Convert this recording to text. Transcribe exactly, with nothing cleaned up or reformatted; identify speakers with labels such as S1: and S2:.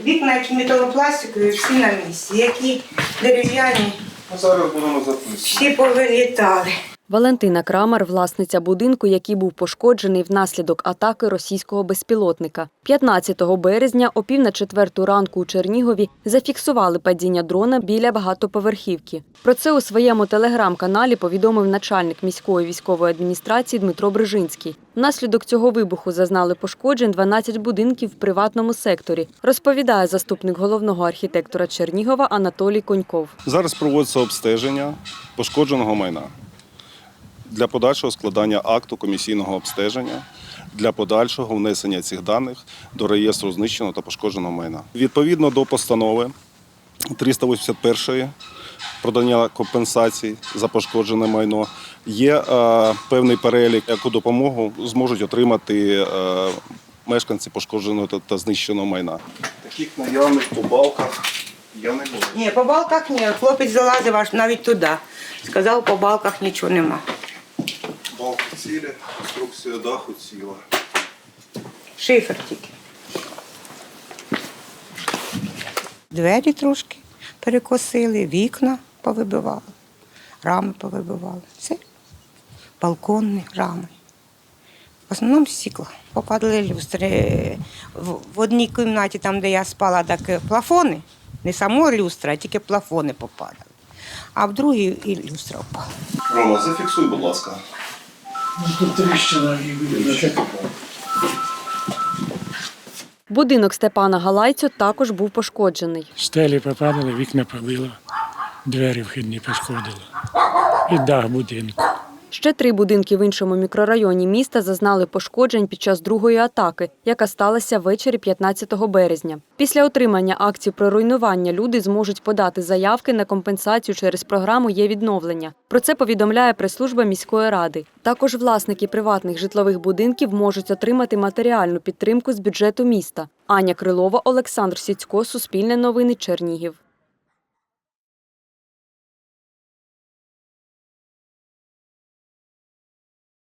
S1: Вікна, які металопластикові, всі на місці, які дерев'яні,
S2: Зараз будемо записувати.
S1: всі повилітали.
S3: Валентина Крамер – власниця будинку, який був пошкоджений внаслідок атаки російського безпілотника. п'ятнадцятого березня о пів на четверту ранку у Чернігові зафіксували падіння дрона біля багатоповерхівки. Про це у своєму телеграм-каналі повідомив начальник міської військової адміністрації Дмитро Брижинський. Внаслідок цього вибуху зазнали пошкоджень дванадцять будинків в приватному секторі, розповідає заступник головного архітектора Чернігова Анатолій Коньков.
S2: Зараз проводиться обстеження пошкодженого майна для подальшого складання акту комісійного обстеження, для подальшого внесення цих даних до реєстру знищеного та пошкодженого майна. Відповідно до постанови триста вісімдесят першої про надання компенсацій за пошкоджене майно є е, певний перелік, яку допомогу зможуть отримати е, мешканці пошкодженого та, та знищеного майна. Таких наявних по балках я не бачу.
S1: Ні, по балках ні. Хлопець залазив аж навіть туди. Сказав, по балках нічого нема.
S2: Балки цілі, конструкція даху ціла.
S1: Шифер тільки. Двері трошки перекосили, вікна повибивали, рами повибивали. Все. Балконні рами. В основному стекла. Попадали люстри. В одній кімнаті, там, де я спала, так плафони. Не само люстра, а тільки плафони попадали. А в другій і люстра впала.
S2: Рома, зафіксуй, будь ласка.
S4: Тут тріщина і буде.
S3: Будинок Степана Галайцю також був пошкоджений.
S4: Стелі попадали, вікна побило, двері вхідні пошкодили. І дах будинку.
S3: Ще три будинки в іншому мікрорайоні міста зазнали пошкоджень під час другої атаки, яка сталася ввечері п'ятнадцятого березня. Після отримання акцій про руйнування люди зможуть подати заявки на компенсацію через програму «Є відновлення». Про це повідомляє прес-служба міської ради. Також власники приватних житлових будинків можуть отримати матеріальну підтримку з бюджету міста. Аня Крилова, Олександр Сіцько, Суспільне новини, Чернігів.